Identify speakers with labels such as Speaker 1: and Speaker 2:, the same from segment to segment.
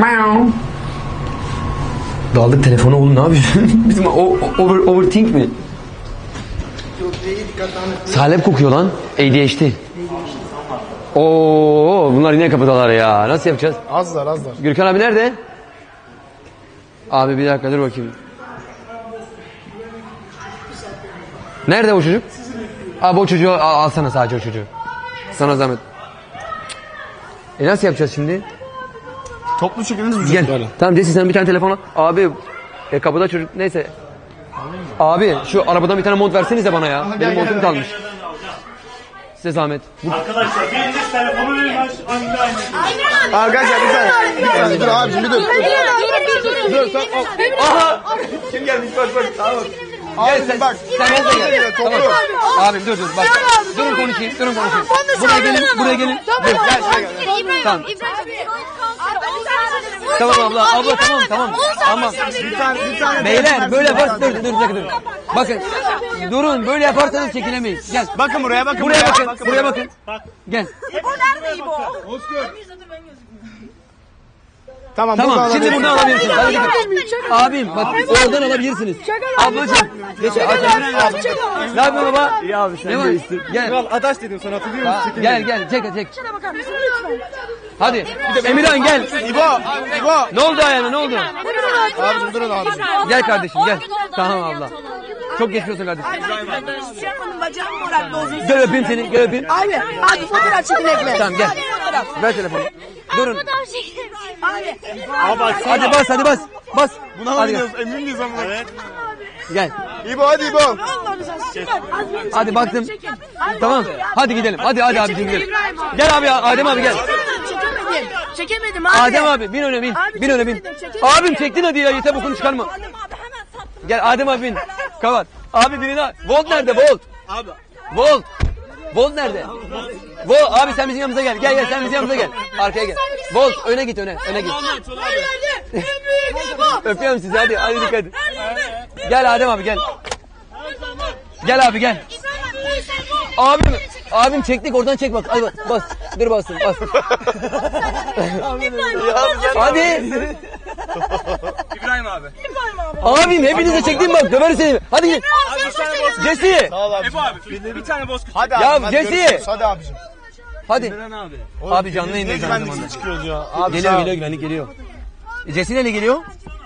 Speaker 1: Daldık telefonu oğlum, ne yapıyorsun? Bizim overthink mi? Salep kokuyor lan. ADHD. Oo, bunlar yine kapıdalar ya. Nasıl yapacağız?
Speaker 2: Azlar.
Speaker 1: Gürkan abi nerede? Abi bir dakika dur bakayım. Nerede o çocuk? Abi o çocuğu alsana, sadece o çocuğu. Sana zahmet. Nasıl yapacağız şimdi?
Speaker 2: Toplu şekilde
Speaker 1: Gel. Tamam Jesse, sen bir tane telefon al. Abi kapıda çocuk, neyse. Abi şu arabadan bir tane mont versenize bana ya. Benim montum kalmış. Size zahmet.
Speaker 3: Arkadaşlar biriniz telefonu verin, aynı.
Speaker 2: Arkadaşlar bir tane dur abicim, bir dur. Dur.
Speaker 1: Aha! Kim gelmiş, bak. Tamam. Gel sen,
Speaker 2: Bak.
Speaker 1: sen gel. Tamam. Abim dur bak. Durun konuşayım. Buraya gelin. Dur, gel şuraya gel. Tamam. Tamam abla tamam.
Speaker 2: Bir tane.
Speaker 1: Beyler böyle yaparsanız dur. Bakın. Durun, böyle yaparsanız çekilemeyiz. Gel.
Speaker 2: Bakın buraya bakın.
Speaker 1: Buraya bakın. Gel.
Speaker 2: Tamam
Speaker 1: Şimdi buradan alabilirsiniz. Hadi gidin. Abim bak, oradan alabilirsiniz. Ablacığım. Geç. Ne yapıyorsun baba?
Speaker 2: İyi abi, sen
Speaker 1: Ne var? Gel.
Speaker 2: Kral adaş dedim sana, hatırlıyor musun?
Speaker 1: Gel. Çek. Hadi. Emirhan gel.
Speaker 2: İbo.
Speaker 1: Ne oldu ayağına, ne oldu?
Speaker 2: Abicim durun abicim.
Speaker 1: Gel kardeşim gel. Tamam abla. Çok geçmiş olsun kardeşim.
Speaker 4: Bacağım morardı uzun.
Speaker 1: Gel öpeyim seni, gel öpeyim.
Speaker 4: Abi fotoğraf çekinelim.
Speaker 1: Tamam gel. Ver telefonu. Durun.
Speaker 4: Abi
Speaker 1: Hadi bas. Bas.
Speaker 2: Buna mı
Speaker 1: Hadi gel.
Speaker 2: gidiyoruz? Emin miyiz ama? Evet.
Speaker 1: Gel.
Speaker 2: İbo hadi İbo.
Speaker 1: Hadi baktım. Tamam. Hadi gidelim. Hadi abicim gidelim. Gel abi, Adem abi gel.
Speaker 4: Çekemedim abi.
Speaker 1: Adem abi bin öne bin. Bin öne bin. Abim çektin hadi ya, yeter bokunu çıkarma. Gel Adem abi bin. Kapat. Abi birini al. Volt nerede? Volt.
Speaker 2: Abi.
Speaker 1: Volt nerede? Volt abi, sen bizim yanımıza gel. Gel sen bizim yanımıza gel. Arkaya gel. Volt öne git. Öne git. Öpüyorum sizi, hadi dikkat edin. Gel Adem abi gel. Gel abi gel. Abim çektik, oradan çek bak. Hadi bas. Dur basın. Hadi.
Speaker 3: İbrahim abi.
Speaker 1: Abim hepinize çektim bak, döver seni. Hadi gel. Jesse.
Speaker 2: Sağ ol abi.
Speaker 3: Ebu abi bir tane bozkurt.
Speaker 2: Hadi
Speaker 1: Ya
Speaker 2: abi.
Speaker 1: Jesse.
Speaker 2: Hadi abicim.
Speaker 1: Hadi.
Speaker 3: Abi.
Speaker 1: Abi canlı
Speaker 2: Ne
Speaker 1: yayındayız aynı zamanda.
Speaker 2: güvenlikli çıkıyoruz ya. Abi
Speaker 1: Geliyor güvenlik geliyor. Jesse neyle geliyor?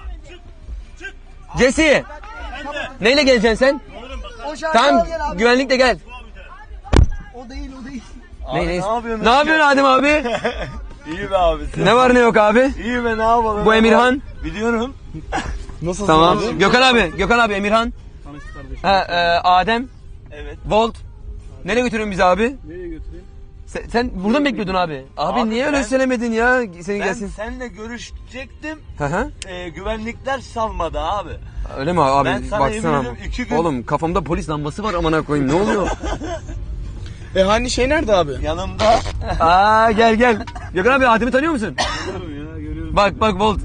Speaker 1: Jesse. Neyle geleceksin sen? Tamam, güvenlikle gel.
Speaker 2: O değil.
Speaker 1: Ne
Speaker 2: yapıyorsun?
Speaker 1: Ne yapıyorsun Adem abi?
Speaker 2: İyi be abi.
Speaker 1: Ne var ne yok abi?
Speaker 2: İyi be, ne yapalım?
Speaker 1: Bu Emirhan.
Speaker 2: Biliyorum. Nasılsın
Speaker 1: Tamam.
Speaker 2: abi?
Speaker 1: Gökhan abi Emirhan. Adem.
Speaker 2: Evet.
Speaker 1: Volt. Nereye götürüyorsun bizi abi?
Speaker 3: Nereye götüreyim?
Speaker 1: Sen burada mı bekliyordun abi? Abi niye öyle söylemedin ya? Senin
Speaker 5: Ben
Speaker 1: gelsin.
Speaker 5: seninle görüşecektim.
Speaker 1: Hı.
Speaker 5: Güvenlikler salmadı abi.
Speaker 1: Öyle mi abi?
Speaker 5: Ben sana
Speaker 1: Baksana.
Speaker 5: eminim 2 gün-
Speaker 1: Oğlum kafamda polis lambası var, amına koyayım. Ne oluyor?
Speaker 2: Hani şey nerede abi?
Speaker 5: Yanımda
Speaker 1: Gel. Gökhan abi, Adem'i tanıyor musun? Bak Volt.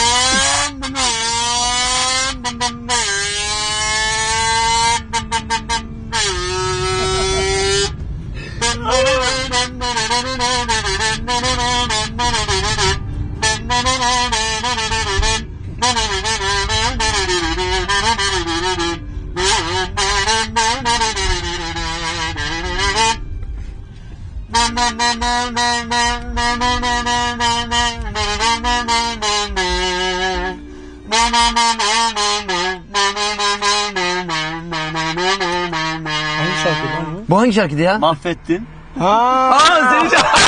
Speaker 2: Hangi şarkı lan bu?
Speaker 1: Bu hangi şarkıydı ya?
Speaker 5: mahvettin.
Speaker 1: Seni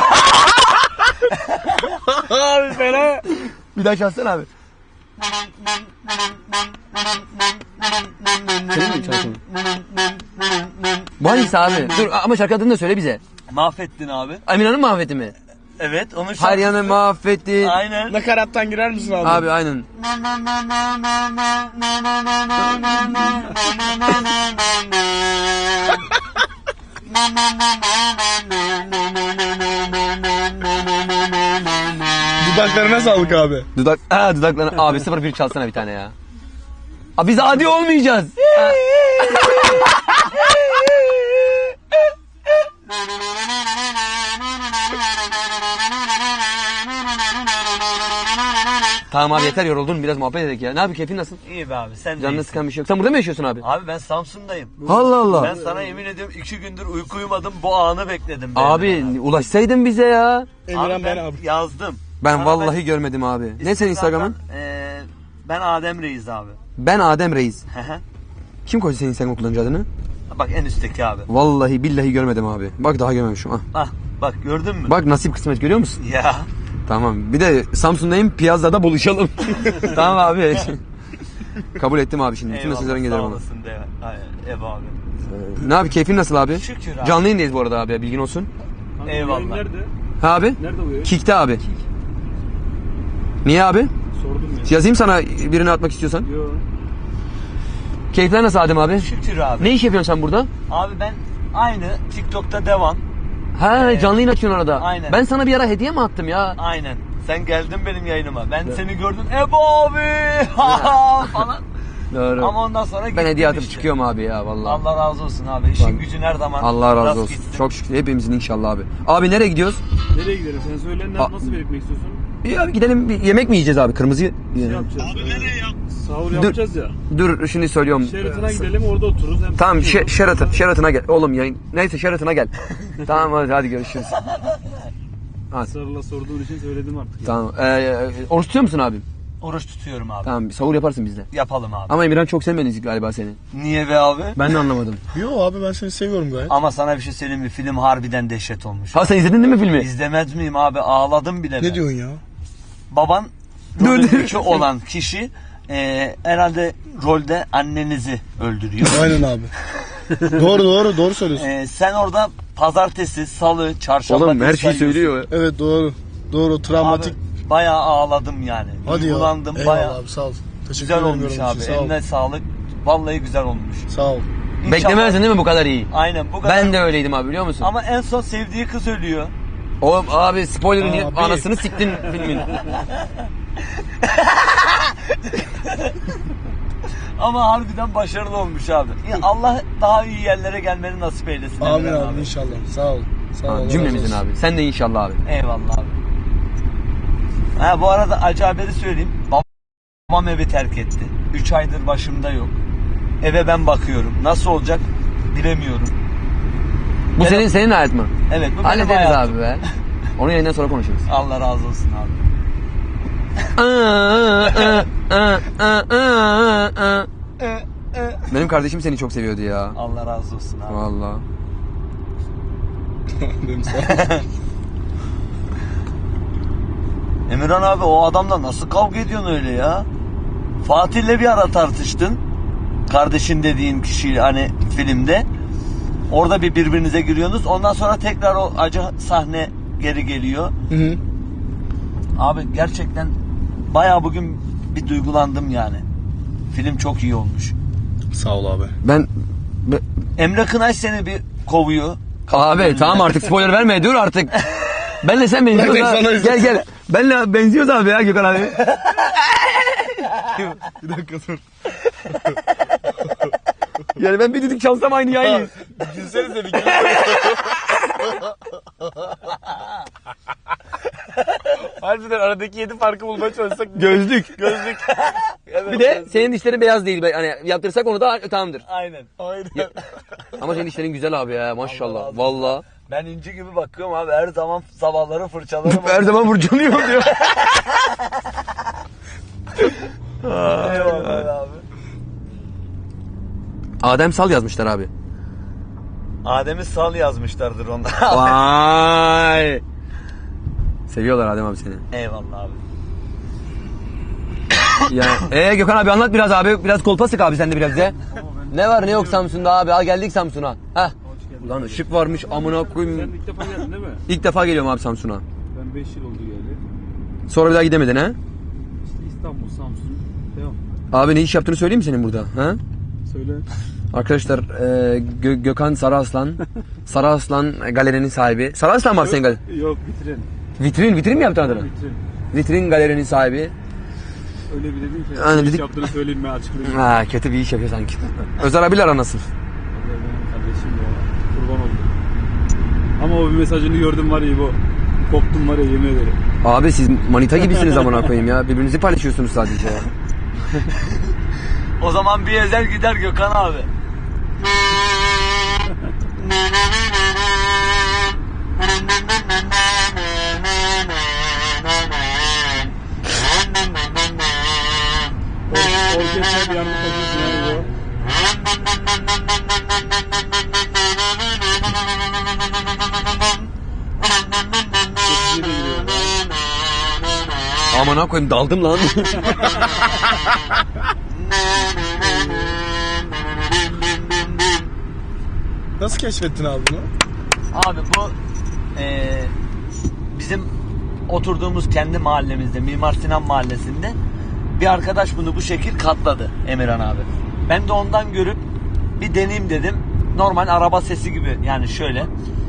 Speaker 1: abi fena. Bir daha çalsana abi. Senin mi şarkın? Bu hangisi abi? Dur ama şarkı adını da söyle bize.
Speaker 5: Mahvettin abi.
Speaker 1: Eminhan'ın mahveti mi?
Speaker 5: Evet, onu
Speaker 1: Her yanı mahvetti.
Speaker 5: Aynen.
Speaker 2: Nakarattan girer misin abi?
Speaker 1: Abi aynen.
Speaker 2: Dudaklarına sağlık abi.
Speaker 1: Dudaklarına. Abi 01 çalsana bir tane ya. Abi biz adi olmayacağız. Tamam abi yeter yoruldun biraz muhabbet edelim ya. Ne abi keyfin nasıl?
Speaker 5: İyi be abi sen de
Speaker 1: Canını
Speaker 5: iyisin.
Speaker 1: sıkan bir şey yok. Sen burada mı yaşıyorsun abi?
Speaker 5: Abi ben Samsun'dayım.
Speaker 1: Allah Allah.
Speaker 5: Ben sana yemin ediyorum 2 gündür uyku uyumadım bu anı bekledim.
Speaker 1: Abi ulaşsaydın bize ya.
Speaker 5: Abi
Speaker 2: Emirhan
Speaker 5: ben
Speaker 2: ben abi.
Speaker 5: yazdım.
Speaker 1: Ben
Speaker 5: Sana
Speaker 1: vallahi görmedim abi. Ne senin Instagram'ın?
Speaker 5: zaten, ben Adem Reis abi.
Speaker 1: Ben Adem Reis.
Speaker 5: Hı hı.
Speaker 1: Kim koydu senin Instagram kullanıcı adını?
Speaker 5: Bak en üstteki abi.
Speaker 1: Vallahi billahi görmedim abi. Bak daha görmemişim. Ah.
Speaker 5: Ah bak gördün mü?
Speaker 1: Bak nasip kısmet görüyor musun?
Speaker 5: Ya.
Speaker 1: Tamam. Bir de Samsun'dayım. Piyazada buluşalım. Tamam abi. Kabul ettim abi şimdi. Bütün mesajların
Speaker 5: sağ
Speaker 1: gelir bana.
Speaker 5: olasın de. Ev abi.
Speaker 1: Ne abi keyfin nasıl abi?
Speaker 5: Şükür abi.
Speaker 1: Canlı yayındayız bu arada abi bilgin olsun.
Speaker 5: Eyvallah.
Speaker 3: Nerede?
Speaker 1: Ha abi?
Speaker 3: Nerede bu ya?
Speaker 1: Kick'te abi. Niye abi?
Speaker 3: Sordum ya.
Speaker 1: Yazayım sana birini atmak istiyorsan.
Speaker 3: Yo.
Speaker 1: Keyifler nasıl Adem abi?
Speaker 5: Şükür abi.
Speaker 1: Ne iş yapıyorsun sen burada?
Speaker 5: Abi ben aynı TikTok'ta devam.
Speaker 1: Ha canlı yayın açıyorsun arada.
Speaker 5: Aynen.
Speaker 1: Ben sana bir ara hediye mi attım ya?
Speaker 5: Aynen. Sen geldin benim yayınıma. Ben seni gördüm. Ebo abi falan.
Speaker 1: Doğru.
Speaker 5: Ama ondan sonra
Speaker 1: Ben
Speaker 5: gittim
Speaker 1: hediye atıp
Speaker 5: işte.
Speaker 1: çıkıyorum abi ya vallahi.
Speaker 5: Allah razı olsun abi. İşin
Speaker 1: Bak.
Speaker 5: gücün her zaman.
Speaker 1: Allah razı
Speaker 5: rast
Speaker 1: olsun.
Speaker 5: gitsin.
Speaker 1: Çok şükür hepimizin inşallah abi. Abi nereye gidiyoruz?
Speaker 3: Nereye gidelim? Sen söyle nasıl belirtmek istiyorsun?
Speaker 1: İyi abi gidelim bir yemek mi yiyeceğiz abi? Kırmızı.
Speaker 3: Ne yapacağız? Abi nereye ya? Sahur yapacağız ya.
Speaker 1: Dur şimdi söylüyorum.
Speaker 3: Sheraton'a gidelim orada otururuz. Hem
Speaker 1: Tamam
Speaker 3: sıkıntı yok.
Speaker 1: Sheraton'a gel. Oğlum yayın. Neyse Sheraton'a gel. Tamam hadi görüşürüz.
Speaker 3: Sarıla sorduğun için söyledim artık. Ya.
Speaker 1: Tamam. Oruç tutuyor musun abi?
Speaker 5: Oruç tutuyorum abi.
Speaker 1: Tamam sahur yaparsın bizde.
Speaker 5: Yapalım abi.
Speaker 1: Ama Emirhan çok sevmedi galiba seni.
Speaker 5: Niye be abi?
Speaker 1: Ben de anlamadım.
Speaker 2: Yo abi ben seni seviyorum gayet.
Speaker 5: Ama sana bir şey söyleyeyim mi? Film harbiden dehşet olmuş.
Speaker 1: Ha sen izledin değil mi filmi?
Speaker 5: İzlemez miyim abi? Ağladım bile.
Speaker 2: Ne
Speaker 5: ben.
Speaker 2: diyorsun ya?
Speaker 5: Baban rolündeki olan kişi herhalde rolde annenizi öldürüyor.
Speaker 2: Aynen abi. doğru söylüyorsun.
Speaker 5: Sen orada pazartesi, salı, çarşamba
Speaker 1: Oğlum her şeyi
Speaker 5: sayıyorsun.
Speaker 1: söylüyor.
Speaker 2: Evet doğru travmatik.
Speaker 5: Abi, bayağı ağladım yani.
Speaker 2: Hadi ya.
Speaker 5: Duygulandım
Speaker 2: Eyvallah
Speaker 5: bayağı.
Speaker 2: abi sağ ol. Teşekkür
Speaker 5: Güzel
Speaker 2: ederim
Speaker 5: olmuş
Speaker 2: yorum
Speaker 5: abi.
Speaker 2: için, sağ ol.
Speaker 5: Eline sağlık. Vallahi güzel olmuş.
Speaker 2: Sağ ol.
Speaker 5: İnşallah-
Speaker 1: Beklemezdin değil mi bu kadar iyi?
Speaker 5: Aynen bu kadar.
Speaker 1: Ben de öyleydim abi biliyor musun?
Speaker 5: Ama en son sevdiği kız ölüyor.
Speaker 1: Oğlum abi spoiler'ın
Speaker 2: Abi.
Speaker 1: anasını siktin filmin.
Speaker 5: Ama harbiden başarılı olmuş abi. Ya Allah daha iyi yerlere gelmeni nasip eylesin.
Speaker 2: Amin
Speaker 5: Emre
Speaker 2: abi inşallah. Sağ ol. Sağ ol. Allah razı
Speaker 1: Cümlemizin
Speaker 2: olsun.
Speaker 1: abi. Sen de inşallah abi.
Speaker 5: Eyvallah abi. Ha bu arada acı haberi söyleyeyim. Babam evi terk etti. 3 aydır başımda yok. Eve ben bakıyorum. Nasıl olacak bilemiyorum.
Speaker 1: Bu
Speaker 5: Benim-
Speaker 1: senin hayat mı?
Speaker 5: Evet bu benim
Speaker 1: Hallederiz
Speaker 5: hayatım.
Speaker 1: abi be. Onu yayından sonra konuşuruz.
Speaker 5: Allah razı olsun abi.
Speaker 1: Benim kardeşim seni çok seviyordu ya.
Speaker 5: Allah razı olsun abi.
Speaker 1: Vallahi.
Speaker 2: Benim sağ ol.
Speaker 5: Emirhan abi o adamla nasıl kavga ediyorsun öyle ya? Fatih'le bir ara tartıştın. Kardeşin dediğin kişi hani filmde. Orada birbirinize giriyorsunuz. Ondan sonra tekrar o acı sahne geri geliyor.
Speaker 2: Hı hı.
Speaker 5: Abi gerçekten bayağı bugün bir duygulandım yani. Film çok iyi olmuş.
Speaker 2: Sağ ol abi.
Speaker 1: Ben
Speaker 5: Emre Kınay seni bir kovuyor.
Speaker 1: abi tamam artık spoiler verme dur artık. Benle sen benziyoruz
Speaker 2: Ben de
Speaker 1: ha.
Speaker 2: sana
Speaker 1: Gel gel. Benle benziyoruz abi ya Gökhan abi.
Speaker 2: Bir dakika dur.
Speaker 1: Yani ben bir düdük çalsam aynı yayın.
Speaker 2: Gülsenize bir
Speaker 3: Harbiden aradaki 7 farkı bulmaya çalışsak.
Speaker 1: Gözlük.
Speaker 3: Evet.
Speaker 1: Bir de senin dişlerin beyaz değil. Hani yaptırsak onu da tamamdır.
Speaker 5: Aynen.
Speaker 2: Aynen.
Speaker 1: Ama senin dişlerin güzel abi ya maşallah. Vallahi.
Speaker 5: Ben inci gibi bakıyorum abi her zaman sabahları fırçalarım.
Speaker 1: Her zaman burcunuyor diyor.
Speaker 5: Eyvallah abi.
Speaker 1: Adem Sal yazmışlar abi.
Speaker 5: Adem'i sal yazmışlardır onda.
Speaker 1: Vay. Seviyorlar Adem abi seni.
Speaker 5: Eyvallah abi.
Speaker 1: Ya, Gökhan abi anlat biraz abi. Biraz kolpa sık abi sen de biraz bize. Ne var ne yok Samsun'da abi. Al geldik Samsun'a. Heh. Ulan ışık varmış amına
Speaker 3: Sen
Speaker 1: koyayım.
Speaker 3: ilk defa geldin değil mi?
Speaker 1: İlk defa geliyorum abi Samsun'a.
Speaker 3: Ben 5 yıl oldu geldi.
Speaker 1: Sonra bir daha gidemedin ha?
Speaker 3: İşte İstanbul, Samsun. Devam.
Speaker 1: Abi ne iş yaptığını söyleyeyim mi senin burada? Ha?
Speaker 3: Söyle.
Speaker 1: Arkadaşlar Gökhan Sarıaslan. Sarıaslan galerinin sahibi. Sarıaslan var senin galeri.
Speaker 3: Yok bitirin.
Speaker 1: Vitrin mi yaptın adını?
Speaker 3: Bitirin.
Speaker 1: Vitrin galerinin sahibi.
Speaker 3: Öyle bir dedin ki.
Speaker 1: Aynen
Speaker 3: iş
Speaker 1: dedik.
Speaker 3: yaptığını söyleyeyim mi açıklayayım.
Speaker 1: Ha kötü bir iş yapıyor sanki. Özer abiyle ara nasıl?
Speaker 3: Benim kardeşim ya. Kurban oldum. Ama o bir mesajını gördüm var ya bu. Koptum var ya, yemin ederim.
Speaker 1: Abi siz manita gibisiniz amına koyayım ya. Birbirinizi paylaşıyorsunuz sadece ya.
Speaker 5: O zaman bir ezel gider Gökhan abi.
Speaker 3: Orkestra bir anda takıyorsun yani bu. Çok iyi de giriyor.
Speaker 1: Amına koyayım daldım lan.
Speaker 2: Nasıl keşfettin abi bunu?
Speaker 5: Abi bu bizim oturduğumuz kendi mahallemizde, Mimar Sinan Mahallesi'nde bir arkadaş bunu bu şekil katladı Emirhan abi. Ben de ondan görüp bir deneyeyim dedim. Normal araba sesi gibi, yani şöyle.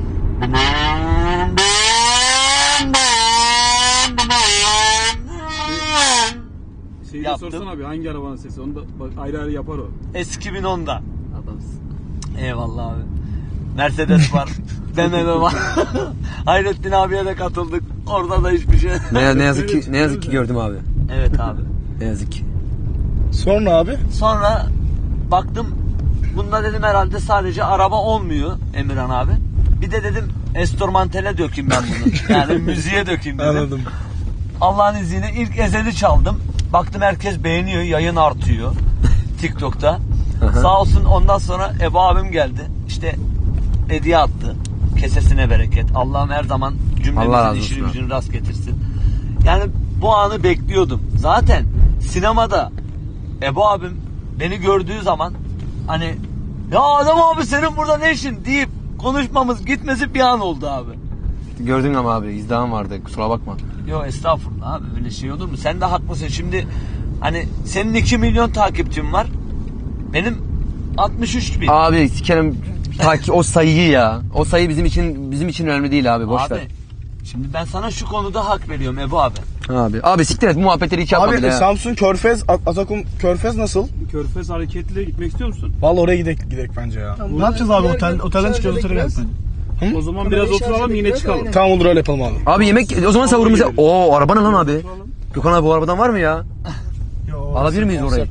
Speaker 3: Şeyi de
Speaker 5: Yaptım.
Speaker 3: sorsan abi, hangi arabanın sesi? Onu da bak, ayrı ayrı yapar o.
Speaker 5: S2010'da. Eyvallah abi. Mercedes var. BMW var. Hayrettin abiye de katıldık. Orada da hiçbir şey.
Speaker 1: ne yazık ki gördüm abi.
Speaker 5: Evet abi.
Speaker 1: Ne yazık ki.
Speaker 2: Sonra abi?
Speaker 5: Sonra baktım, bunda dedim herhalde sadece araba olmuyor Emirhan abi. Bir de dedim enstrümantale dökeyim ben bunu. Yani müziğe dökeyim dedim.
Speaker 2: Anladım.
Speaker 5: Allah'ın izniyle ilk ezeli çaldım. Baktım herkes beğeniyor, yayın artıyor TikTok'ta. Sağ olsun, ondan sonra Ebu abim geldi. İşte hediye attı. Kesesine bereket. Allah'ım her zaman
Speaker 1: Allah
Speaker 5: cümlemizin
Speaker 1: razı
Speaker 5: işini
Speaker 1: olsun
Speaker 5: gücünü rast getirsin. Yani bu anı bekliyordum. Zaten sinemada Ebu abim beni gördüğü zaman hani ya adam abi senin burada ne işin deyip konuşmamız gitmesi bir an oldu abi.
Speaker 1: Gördün ama abi izdiham vardı, kusura bakma.
Speaker 5: Yok estağfurullah abi, öyle şey olur mu? Sen de haklısın. Şimdi hani senin 2 milyon takipçin var. Benim 63 bin.
Speaker 1: Abi sikerim o sayıyı ya. O sayı bizim için önemli değil abi, boş
Speaker 5: Abi
Speaker 1: ver.
Speaker 5: şimdi ben sana şu konuda hak veriyorum Ebu abi.
Speaker 1: Abi siktir et, bu muhabbetleri hiç yapma
Speaker 2: Abi
Speaker 1: bile ya.
Speaker 2: Samsun Körfez, Atakum Körfez nasıl?
Speaker 3: Körfez hareketliyle gitmek istiyor musun?
Speaker 2: Vallahi oraya gidek bence ya.
Speaker 6: Ne yapacağız abi, otelden çıkıyoruz, otele gelsin.
Speaker 3: O zaman biraz oturalım, yine çıkalım.
Speaker 2: Tamam, olur, öyle yapalım abi.
Speaker 1: Abi yemek o zaman savurumuza. Oo araba ne lan abi? Gökhan abi, bu arabadan var mı ya? Alabilir miyiz orayı?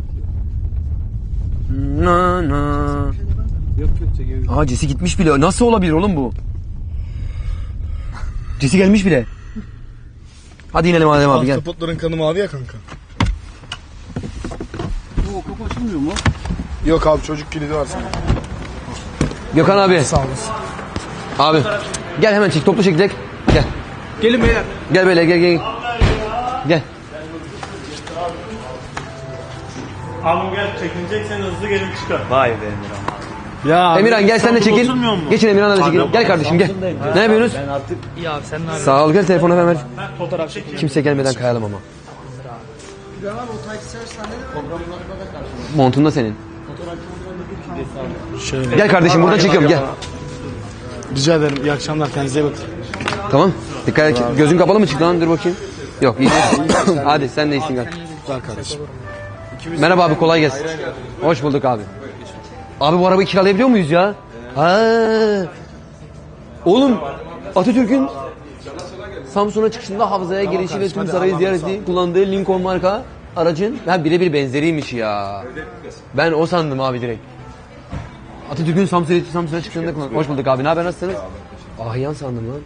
Speaker 1: Na na.
Speaker 3: Yok çekebiliriz.
Speaker 1: Aa Cesi gitmiş bile. Nasıl olabilir oğlum bu? Cesi gelmiş bile. Hadi inelim Adem abi, gel.
Speaker 2: Ahtapotların kanı mavi ya kanka.
Speaker 3: O kapı açılmıyor mu?
Speaker 2: Yok abi, çocuk kilidi var sana.
Speaker 1: Gökhan abi.
Speaker 2: Sağ olasın.
Speaker 1: Abi. Gel hemen çek, toplu çekecek. Gel.
Speaker 3: Gelin beyler.
Speaker 1: Gel böyle, gel. Gel.
Speaker 7: Abi gel, çekileceksen hızlı gelin çıkar.
Speaker 5: Vay be Emirhan.
Speaker 2: Ya
Speaker 1: Emirhan gel, sen de çekil.
Speaker 7: oturmuyor mu?
Speaker 1: Geçin Emirhan'a da çekil. Gel kardeşim gel. Ne yapıyorsunuz?
Speaker 5: Ben artık
Speaker 1: Sağ ol, gel telefonu hemen ver. Kimse gelmeden kayalım ama. Montun da senin. Gel kardeşim, buradan çekiyorum, gel.
Speaker 2: rica ederim. İyi akşamlar. Kendinize iyi bakın.
Speaker 1: Tamam. Dikkat et. Gözün kapalı mı çıktı lan? Dur bakayım. Yok, iyi. Hadi sen de iyisin gel.
Speaker 2: Güzel kardeşim.
Speaker 1: Merhaba abi, kolay gelsin. Hoş bulduk abi. Abi bu arabayı kiralayabiliyor muyuz ya? Ha. Oğlum Atatürk'ün Samsun'a çıkışında havzaya girişi ve tüm sarayı ziyareti kullandığı Lincoln marka aracın birebir benzeriymiş ya. Ben o sandım abi direkt. Atatürk'ün Samsun'a çıkışında kullandığı. Hoş bulduk abi. Ne haber, nasılsınız? Ahyan sandım lan.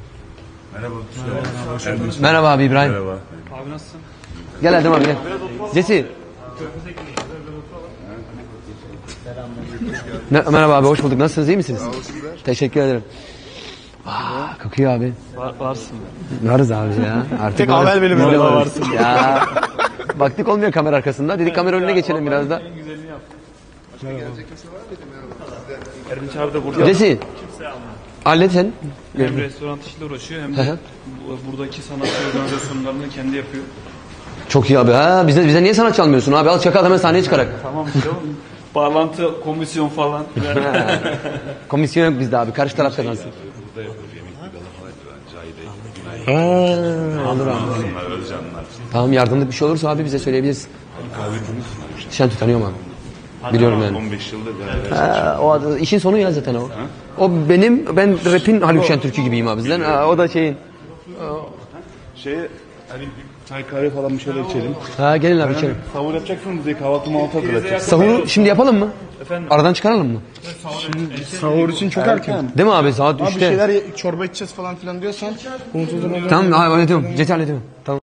Speaker 1: Merhaba abi İbrahim.
Speaker 3: Abi nasılsın?
Speaker 1: Gel Erdem abi gel. Jesse. Merhaba abi, hoş bulduk. Nasılsınız, iyi misiniz? Teşekkür ederim. Kokuyor abi.
Speaker 3: Varsın.
Speaker 1: Varız abi ya. Artık
Speaker 2: Tek
Speaker 1: varız.
Speaker 2: amel benim
Speaker 1: Biz de
Speaker 2: yanımda
Speaker 1: varız. Ya. Baktık olmuyor kamera arkasında. Dedik kamera önüne geçelim biraz da.
Speaker 3: Erdinç abi de burada.
Speaker 1: Jesse. Hallet sen.
Speaker 3: Hem restoran işiyle uğraşıyor, hem
Speaker 1: Hı
Speaker 3: de
Speaker 1: hı.
Speaker 3: buradaki sanatçı organizasyonlarını kendi yapıyor.
Speaker 1: Çok iyi abi. Ha, bize niye sanatçı almıyorsun abi? Al çakal, hemen sahneye çıkarak.
Speaker 3: Tamam işte oğlum. Bağlantı, komisyon falan.
Speaker 1: Komisyon yok bizde abi. Karşı tarafta kalsın. Olur abi. Tamam, yardımlık bir şey olursa abi bize söyleyebilirsin. Şentürk tanıyorum abi. Biliyorum yani.
Speaker 7: 15 yıldır
Speaker 1: O işin sonu ya zaten o. O ben rap'in Haluk Şentürk'ü gibiyim abi bizden. O da şeyin.
Speaker 6: Hani çay kahve falan bir şeyler içelim.
Speaker 1: Ha gelin abi içelim.
Speaker 6: Sahur yapacaksın bize kahvaltı mahvaltı hazırlatacağız.
Speaker 1: Sahuru şimdi yapalım mı? Aradan çıkaralım mı?
Speaker 6: Sahur için çok erken.
Speaker 1: Değil mi abi saat
Speaker 6: Abi bir
Speaker 1: 3'te?
Speaker 6: şeyler çorba içeceğiz falan filan diyorsan.
Speaker 1: Tamam abi hallediyorum. Gece hallediyorum. Tamam.